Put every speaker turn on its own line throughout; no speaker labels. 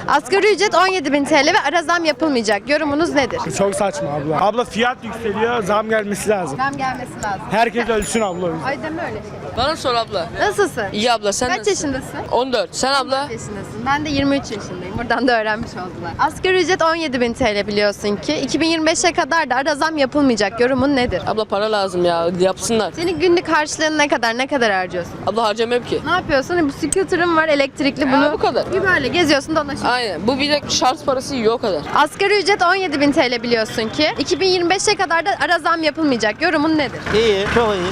Asgari ücret 17.000 TL ve ara zam yapılmayacak. Yorumunuz nedir?
Çok saçma abla. Abla fiyat yükseliyor, zam gelmesi lazım.
Zam gelmesi lazım.
Herkes ölsün abla.
Ay deme öyle şey.
Bana sor abla.
Nasılsın?
İyi abla sen
Kaç
nasılsın?
yaşındasın?
14. Sen abla?
Yaşındasın. Ben de 23 yaşındayım. Buradan da öğrenmiş oldular. Asgari ücret 17.000 TL biliyorsun ki. 2025'e kadar da ara zam yapılmayacak. Yorumun nedir?
Abla para lazım ya yapsınlar.
Senin günlük harçlığın ne kadar? Ne kadar harcıyorsun?
Abla harcamıyorum ki.
Ne yapıyorsun? Bu scooter'ın var elektrikli bunu.
bu kadar.
Bir böyle geziyorsun dolaşıyorsun.
Aynen. Bu bir de şarj parası yiyor o kadar.
Asgari ücret 17.000 TL biliyorsun ki. 2025'e kadar da ara zam yapılmayacak. Yorumun nedir?
İyi, çok iyi.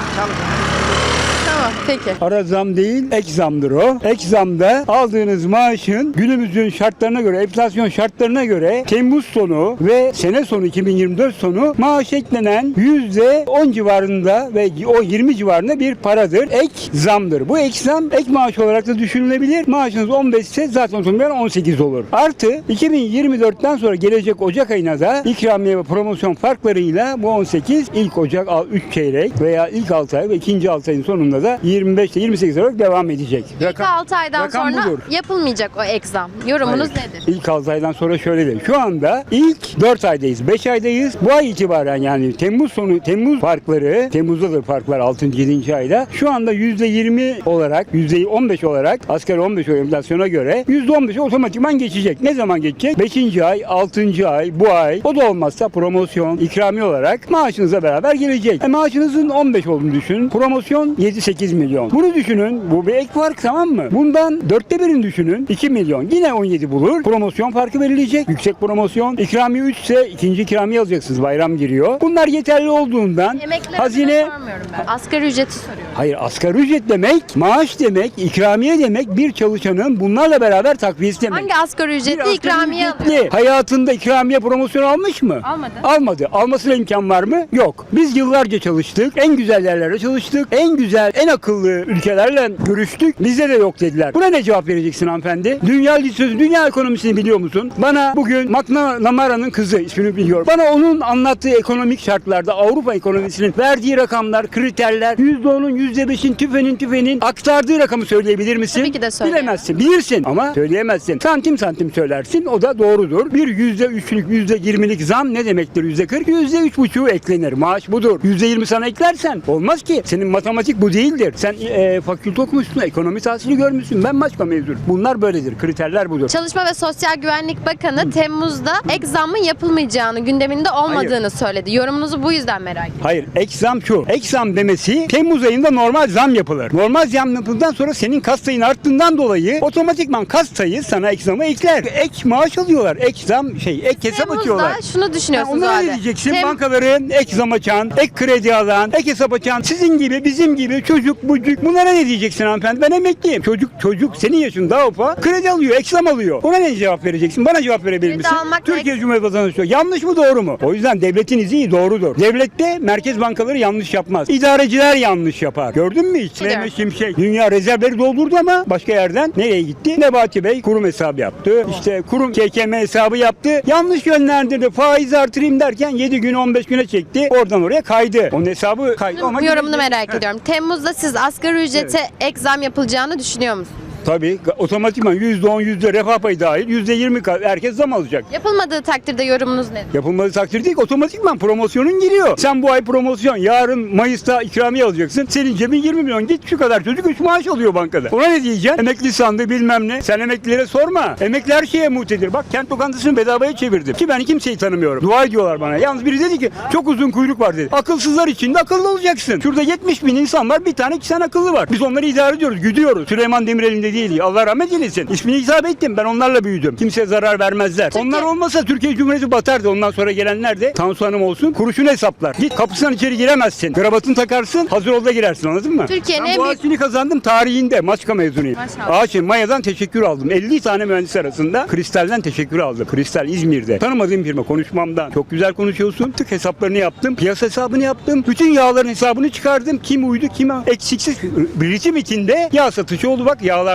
Tamam peki.
Ara zam değil, ek zamdır o. Ek zamda aldığınız maaşın günümüzün şartlarına göre, enflasyon şartlarına göre Temmuz sonu ve sene sonu 2024 sonu maaş eklenen %10 civarında ve o 20 civarında bir paradır. Ek zamdır. Bu ek zam ek maaş olarak da düşünülebilir. Maaşınız 15 ise zaten otomatikman 18 olur. Artı 2024'ten sonra gelecek Ocak ayına da ikramiye ve promosyon farklarıyla bu 18 ilk Ocak 3 çeyrek veya ilk 6 ay ve ikinci 6 ayın sonunda da 25 ile 28 olarak devam edecek.
İlk 6 aydan
rakam
sonra
budur.
yapılmayacak o ek zam. Yorumunuz
Hayır.
nedir?
İlk 6 aydan sonra şöyle değil. Şu anda ilk 4 aydayız, 5 aydayız. Bu ay itibaren yani Temmuz sonu, Temmuz farkları, Temmuz'dadır farklar 6. 7. ayda. Şu anda %20 olarak, %15 olarak asgari 15 o enflasyona göre %15'e otomatikman geçecek. Ne zaman geçecek? 5. ay, 6. ay, bu ay. O da olmazsa promosyon, ikrami olarak maaşınızla beraber gelecek. Maaşınızın 15 olduğunu düşünün. Promosyon 7-8 milyon. Bunu düşünün. Bu bir ek fark, tamam mı? Bundan 1/4'ini düşünün. 2 milyon. Yine 17 bulur. Promosyon farkı verilecek. Yüksek promosyon. İkramiye 3 ise ikinci ikramiye alacaksınız. Bayram giriyor. Bunlar yeterli olduğundan
Emeklilerine
hazine...
sormuyorum ben. Asgari ücreti soruyorum.
Hayır, asgari ücret demek, maaş demek, ikramiye demek bir çalışanın bunlarla beraber takviyesi demek.
Hangi asgari
Bir
ücretli
asgari
ikramiye
ücretli
alıyor?
hayatında ikramiye promosyon almış mı?
Almadı.
Almadı. Almasına imkan var mı? Yok. Biz yıllarca çalıştık. En güzel yerlerde çalıştık. En güzel, en akıllı ülkelerle görüştük. Bizde de yok dediler. Buna ne cevap vereceksin hanımefendi? Dünya ekonomisini biliyor musun? Bana bugün McNamara'nın kızı, ismini biliyorum. Bana onun anlattığı ekonomik şartlarda Avrupa ekonomisinin verdiği rakamlar, kriterler, %10'un, %5'in, tüfenin aktardığı rakamı söyleyebilir misin?
Tabii ki de söyleyemem.
Bilemezsin. Bilirsin ama söyleyemezsin. Santim santim söylersin. O da doğrudur. Bir %3'lük, %20'lik zam ne demektir? %40, %3,5'u eklenir. Maaş budur. %20 sana eklersen olmaz ki. Senin matematik bu değildir. Sen fakülte okumuşsun, ekonomi tahsili görmüşsün. Ben başka mezunum. Bunlar böyledir. Kriterler budur.
Çalışma ve Sosyal Güvenlik Bakanı Temmuz'da ek zammın yapılmayacağını, gündeminde olmadığını söyledi. Yorumunuzu bu yüzden merak ediyorum.
Hayır, ek zam şu. Ek zam demesi Temmuz ayında normal zam yapılır. Normal zam yapıldıktan sonra senin kas sayın arttığından dolayı otomatikman kas sayı sana ek zamı ekler. Ek maaş alıyorlar. Ek zam ek hesap açıyorlar.
Temmuz'da şunu düşünüyorsunuz
Onlara ne
abi.
diyeceksin? Bankaların ek zam açan, ek kredi alan, ek hesap açan, sizin gibi, bizim gibi çocuk, bucuk. Bunlara ne diyeceksin hanımefendi? Ben emekliyim. Çocuk senin yaşın daha ufak. Kredi alıyor, ek zam alıyor. Ona ne cevap vereceksin? Bana cevap verebilir
Kredi
misin?
almak
Türkiye Cumhuriyeti vatandaşı. Yanlış mı, doğru mu? O yüzden devletin izi doğrudur. Devlette merkez bankaları yanlış yapmaz. İdareciler yanlış yapar. Gördün mü hiç?
Biliyorum.
Mehmet Şimşek dünya rezervleri doldurdu ama başka yerden nereye gitti? Nebati Bey kurum hesabı yaptı. İşte kurum KKM hesabı yaptı. Yanlış yönlendirdi. Faiz artırayım derken 7 gün 15 güne çekti. Oradan oraya kaydı. Onun hesabı kaydı. Ama
Yorumunu merak ediyorum. Temmuz'da siz asgari ücrete ek zam yapılacağını düşünüyor musunuz?
Tabii otomatikman %10 refah payı dahil %20 herkes zam alacak.
Yapılmadığı takdirde yorumunuz nedir?
Yapılmadığı takdirde değil, otomatikman promosyonun giriyor. Sen bu ay promosyon, yarın Mayıs'ta ikramiye alacaksın. Senin cebin 20 milyon, git şu kadar çocuk 3 maaş alıyor bankada. Ona ne diyeceksin? Emekli sandığı bilmem ne. Sen emeklilere sorma. Emekli her şeye muhtedir. Bak kent lokantasını bedavaya çevirdim. Ki ben kimseyi tanımıyorum. Dua ediyorlar bana. Yalnız biri dedi ki çok uzun kuyruk var dedi. Akılsızlar içinde akıllı olacaksın. Şurada 70 bin insan var, bir tane 2 tane akıllı var. Biz onları idare ediyoruz, güdüyoruz. Süleyman Demirel'in de değil. Allah rahmet eylesin. İsmini hitap ettim. Ben onlarla büyüdüm. Kimseye zarar vermezler. Onlar olmasa Türkiye Cumhuriyeti batardı. Ondan sonra gelenler de Tansu Hanım olsun kuruşunu hesaplar. Git kapısından içeri giremezsin. Kravatını takarsın. Hazır ol da girersin. Anladın mı?
Türkiye'nin
ben
en
bu
büyük...
ağaçını kazandım tarihinde. Maçka mezunuyum.
Maşallah.
Maya'dan teşekkür aldım. 50 tane mühendis arasında Kristal'den teşekkür aldım. Kristal İzmir'de. Tanımadığım firma konuşmamdan. Çok güzel konuşuyorsun. Tık hesaplarını yaptım. Piyasa hesabını yaptım. Bütün yağların hesabını çıkardım. Kim uydu, kim eksiksiz. Ritim içinde yağ satışı oldu. Bak yağlar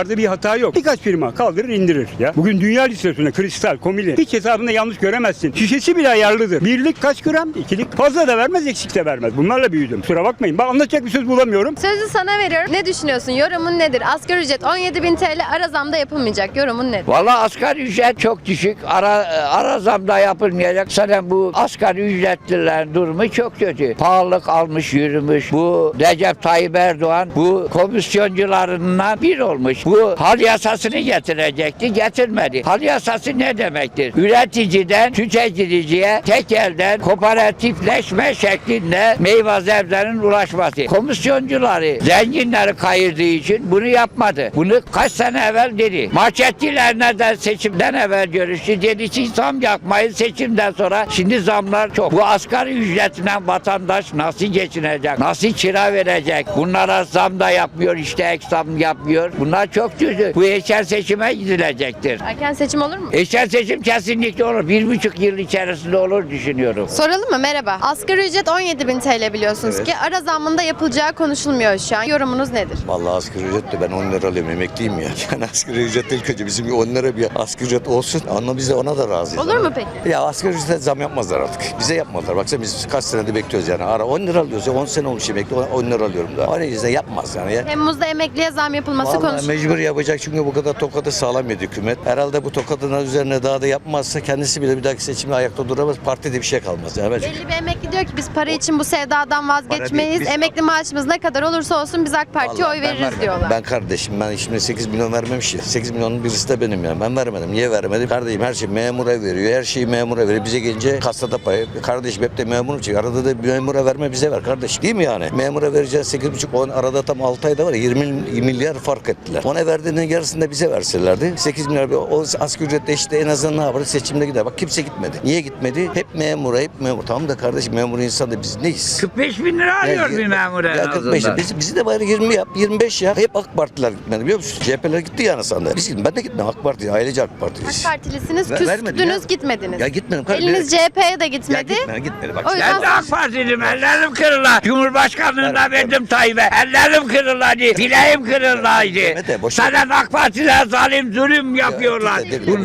firmalarda bir hata yok. Birkaç firma kaldırır indirir ya. Bugün dünya listesinde kristal, komili hiç hesabında yanlış göremezsin. Şişesi bile ayarlıdır. Birlik kaç gram? İkilik. Fazla da vermez, eksik de vermez. Bunlarla büyüdüm. Kusura bakmayın. Ben anlatacak bir söz bulamıyorum.
Sözü sana veriyorum. Ne düşünüyorsun? Yorumun nedir? Asgari ücret 17.000 TL ara zamda yapılmayacak. Yorumun nedir?
Valla asgari ücret çok düşük. Ara zamda yapılmayacak. Zaten bu asgari ücretlilerin durumu çok kötü. Pahalılık almış yürümüş. Bu Recep Tayyip Erdoğan bu komisyoncularından bir olmuş. Bu hal yasasını getirecekti. Getirmedi. Hal yasası ne demektir? Üreticiden tüketiciye tek elden kooperatifleşme şeklinde meyve sebzelerin ulaşması. Komisyoncuları zenginleri kayırdığı için bunu yapmadı. Bunu kaç sene evvel dedi. Marketçilerine de seçimden evvel görüştü. Dedi ki zam yapmayın seçimden sonra. Şimdi zamlar çok. Bu asgari ücretinden vatandaş nasıl geçinecek? Nasıl kira verecek? Bunlara zam da yapmıyor. İşte ek zam yapmıyor. Bunlar çok kötü. Bu erken seçime gidilecektir.
Erken seçim olur mu?
Erken seçim kesinlikle olur. 1,5 yıl içerisinde olur düşünüyorum.
Soralım mı? Merhaba. Asgari ücret 17.000 TL biliyorsunuz ki ara zammında yapılacağı konuşulmuyor şu an. Yorumunuz nedir?
Vallahi asgari ücret de ben 10 lira alıyorum, emekliyim ya. Yani asgari ücret ilk önce bizim bir 10 lira bir asgari ücret olsun. Ama biz de ona da razıyız.
Olur mu peki?
Ya asgari ücrete zam yapmazlar artık. Bize yapmadılar. Baksana biz kaç senedir bekliyoruz yani. Ara 10 lira alıyoruz ya, 10 sene olmuş emekli 10 lira alıyorum da. O yüzden yapmaz yani. Ya.
Temmuz'da emekliye zam yapılması
Vallahi
konuşuluyor.
mecbur yapacak çünkü bu kadar tokadı sağlam yedi hükümet. Herhalde bu tokadın üzerine daha da yapmazsa kendisi bile bir dahaki seçimde ayakta duramaz. Partide bir şey kalmaz. Yani
Belli bir emekli diyor ki biz para için bu sevdadan vazgeçmeyiz.
Biz-
Emekli maaşımız ne kadar olursa olsun biz AK Parti'ye
Vallahi
oy
ben
veririz
vermedim.
diyorlar.
Ben kardeşim ben şimdi 8 milyon vermemiş ya. 8 milyonun birisi de benim ya. Ben vermedim. Niye vermedim? Kardeşim her şey memura veriyor. Her şeyi memura veriyor. Bize gelince kasada pay. Kardeşim hep de memur için. Arada da memura verme bize ver kardeş. Değil mi yani? Memura vereceğiz 8,5 10 arada tam 6 ayda var ya 20 milyar fark ettiler. Ona verdiğinin yarısını da bize verselerdi. 8 milyar o asgari ücretle işte en azından ne yapar? Seçimde gider. Bak kimse gitmedi. Niye gitmedi? Hep memura, hep memur. Tamam da kardeşim memur insan da biz neyiz?
45 bin lira alıyor bir memur en
Ya 45
azından.
bizi de bari 20 yap, 25 ya. Hep AK Partiler gitmedi biliyor musun? CHP'ler gitti yani sandı. Biz gittim. Ben de gittim AK Parti, ailece AK Parti'yiz.
AK Partilisiniz,
Vermedim
küstünüz,
ya.
gitmediniz.
Ya gitmedim kardeşim.
Eliniz CHP'ye de
Ya
gitmedi.
gitmedi. Bak.
O yüzden
Ben de AK Partiliyim. Ellerim kırıla. Cumhurbaşkanlığında verdim Tayyip'e. Ellerim kırılaydı. Bileğim kırılaydı.
Mehmet, boş ver.
Zaten AK Partiler zalim zulüm yapıyorlar.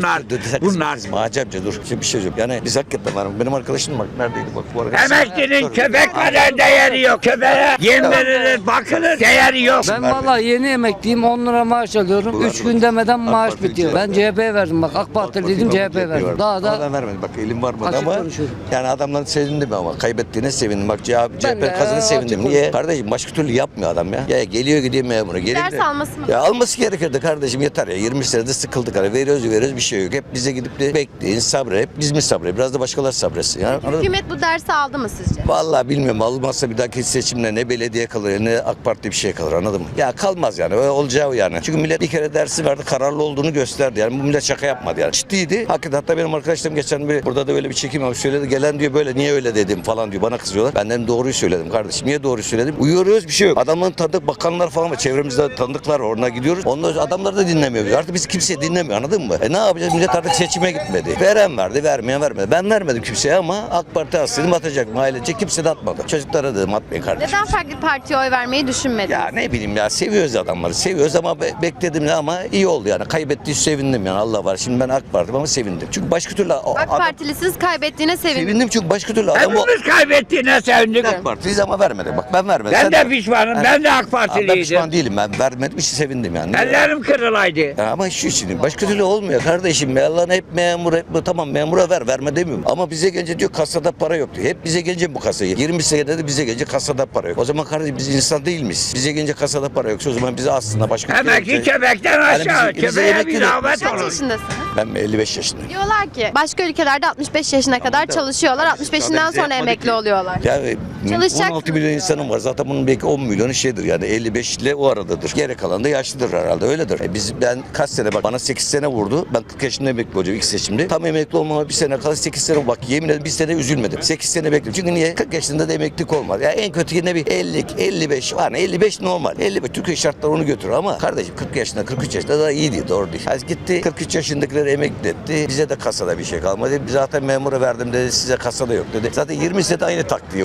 Bunlar.
Macamca dur. Şimdi bir şey söyleyeyim. Yani biz hakikaten var. Benim arkadaşım bak neredeydi bak bu arkadaş.
Emeklinin köpek kadar değeri yok. Köpeğe yem verilir, bakılır, değeri yok.
Ben vallahi yeni emekliyim 10 lira maaş alıyorum. 3 gün demeden maaş
Parti
bitiyor. Ben CHP'ye verdim bak AK Parti dedim CHP verdim. Daha
Ama
da
ben vermedim. Bak elim varmadı
açık
ama
konuşuyorum.
yani adamların sevindim ama kaybettiğine sevindim. Bak CHP
de
kazanı
açık
sevindim. Niye?
konuşuyorum.
Kardeşim başka türlü yapmıyor adam ya. Ya geliyor gidiyor memura. Geliyor,
ders alması mı?
Ya alması gerekirdi kardeşim yeter ya. 20 senede sıkıldık. Hani veriyoruz bir şey yok. Hep bize gidip de bekleyin sabret. Hep biz mi sabret? Biraz da başkaları sabretsin. Yani, anladın mı?
Hükümet bu dersi aldı mı sizce?
Vallahi bilmiyorum. Almazsa bir dahaki seçimde ne belediye kalır ne AK Parti bir şey kalır anladın mı? Ya kalmaz yani. Öyle olacağı yani. Çünkü millet bir kere dersi verdi. Kararlı olduğunu gösterdi. Yani bu millet şaka yapmadı yani. Ciddiydi. Hakikaten hatta benim arkadaşlarım geçen bir burada da böyle bir çekim yapmış söyledi. Gelen diyor böyle niye öyle dedim falan diyor. Bana kızıyorlar. Ben dedim doğruyu söyledim kardeşim. Niye doğruyu söyledim? Uyuyoruz bir şey yok. Adamların tanıdık bakanlar falan var. Çevremizde tanıdıklar var. Onunla gidiyoruz. Onlar adamlar da dinlemiyor. Artık biz kimse dinlemiyor anladın mı? Ne yapacağız? Millet artık seçime gitmedi. Veren verdi, vermeyen vermedi. Ben vermedim kimseye ama AK Parti atsaydım atacaktım. Ailece kimse de atmadı. Çocuklara dedim atmayın kardeşim.
Neden farklı partiye oy vermeyi düşünmediniz?
Ya ne bileyim ya seviyoruz adamları. Seviyoruz ama bekledim ne ama iyi oldu yani. Kaybettiği sevindim yani Allah var. Şimdi ben AK Parti'm ama sevindim. Çünkü başka türlü
AK Partilisiniz kaybettiğine sevindim.
sevindim çünkü başka türlü adam o
Hepimiz kaybettiğine sevindik.
AK Parti'yiz ama vermedi. Bak ben vermedim.
Ben
Sen
de pişmanım. Ben de AK
Ben
Partiliydim.
pişman değilim. Ben vermedim işte sevindim yani.
Ellerim kırılaydı.
Ya ama şu için başka türlü olmuyor kardeşim. Ya Allah'ın hep memur hep tamam memura verme demiyorum. Ama bize gelince diyor kasada para yok diyor. Hep bize gelince bu kasayı. 20 senede de bize gelince kasada para yok. O zaman kardeşim biz insan değil miyiz? Bize gelince kasada para yoksa o zaman bize aslında başka bir
Emekli
şey-
köpekten
Yani
aşağı.
bize
Köpeğe
emekli
bir
de-
rağbet
Kaç
olur.
yaşındasınız?
Ben 55 yaşındayım.
Diyorlar ki başka ülkelerde 65 yaşına kadar çalışıyorlar. 65'inden sonra emekli oluyorlar.
Yani
Çalışacak
16 milyon insanım var. Zaten bunun belki 10 milyonu şeydir yani 55 ile o aradadır. Geri kalan da yaşlıdır herhalde öyledir. Ben kaç sene bak bana 8 sene vurdu. Ben 40 yaşında emekli olacağım ilk seçimde. Tam emekli olmama bir sene kala 8 sene bak yemin ederim bir sene üzülmedim. 8 sene bekledim. Çünkü niye? 40 yaşında da emeklilik olmaz. Ya en kötü yine bir 50, 55 var. 55 normal. 55 Türkiye şartları onu götürür ama kardeşim 40 yaşında 43 yaşında da iyi değil doğru değil. Yani gitti 43 yaşındakileri emekli etti. Bize de kasada bir şey kalmadı. Zaten memura verdim dedi size kasada yok dedi. Zaten 20 sene aynı taktiği uyguluyor.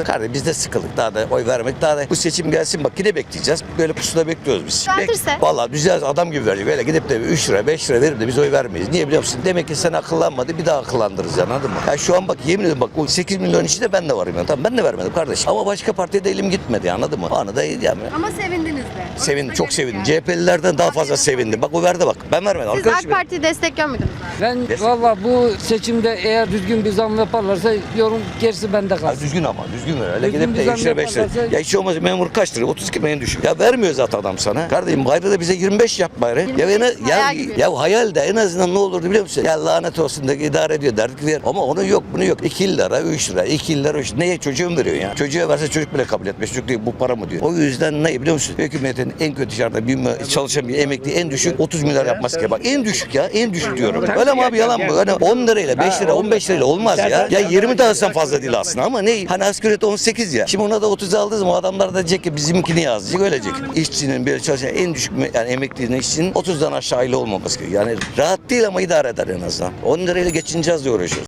Kardeşim biz de sıkıldık. Daha da oy vermek. Daha da bu seçim gelsin bak yine bekleyeceğiz. Böyle pusuda bekliyoruz biz.
Düzeltirse?
Vallahi düzel adam gibi verecek. Öyle gidip de 3 lira 5 lira verip de biz oy vermeyiz. Niye biliyor musun? Demek ki sen akıllanmadı bir daha akıllandırırız yani anladın mı? Ya şu an bak yemin ediyorum bak o 8 milyon içinde ben de varım yani. Tamam ben de vermedim kardeşim. Ama başka partiye de elim gitmedi anladın mı? O anı da yani.
Ama sevindiniz de.
Sevindim, çok sevindim. CHP'lilerden daha fazla sevindim. Bak o verdi bak. Ben vermedim.
Siz
Arkadaşım
AK Parti'yi destekliyor muydunuz abi?
Ben valla bu seçimde eğer düzgün bir zam yaparlarsa yorum gerisi bende
Ya
kalsın.
düzgün ama düzgün ver. Öyle
Düzgün
gidip de
düzen
3 lira 5 lira.
yaparlarsa-
Ya hiç olmaz memur kaç lira? 32 milyon düşük. Ya vermiyor zaten adam sana. Kardeşim bayrağı da bize 25 yap bayrağı. Ya,
25 hayal gibi.
ya hayal de en azından ne olurdu biliyor musun? Ya lanet olsun da idare ediyor derdik ver. Ama onun yok bunu yok. 2 lira 3 lira 2 lira 3 lira. Neye çocuğum veriyor ya? Çocuğa verse çocuk bile kabul etmez. Çocuk değil bu para mı diyor. O yüzden ne biliyor musun? Hükümetin en kötü şartında çalışan bir emekli en düşük 30 milyar yapması gerekiyor. Bak en düşük ya en düşük diyorum. Öyle mi abi yalan mı? Öyle 10 lirayla 5 lira 15 lirayla olmaz ya. Ya 20 de alsan fazla değil aslında ama ne? Hani asgari ücret 18 ya. Şimdi ona da 30 aldığı zaman adamlar da diyecek ki bizimkini yazacak ölecek. İşçinin bir çalışan en düşük yani emeklinin işçinin 30'dan aşağı ile olmaması gerekiyor. Yani rahat değil ama idare eder en azından. 10 lirayla geçineceğiz diye uğraşıyoruz.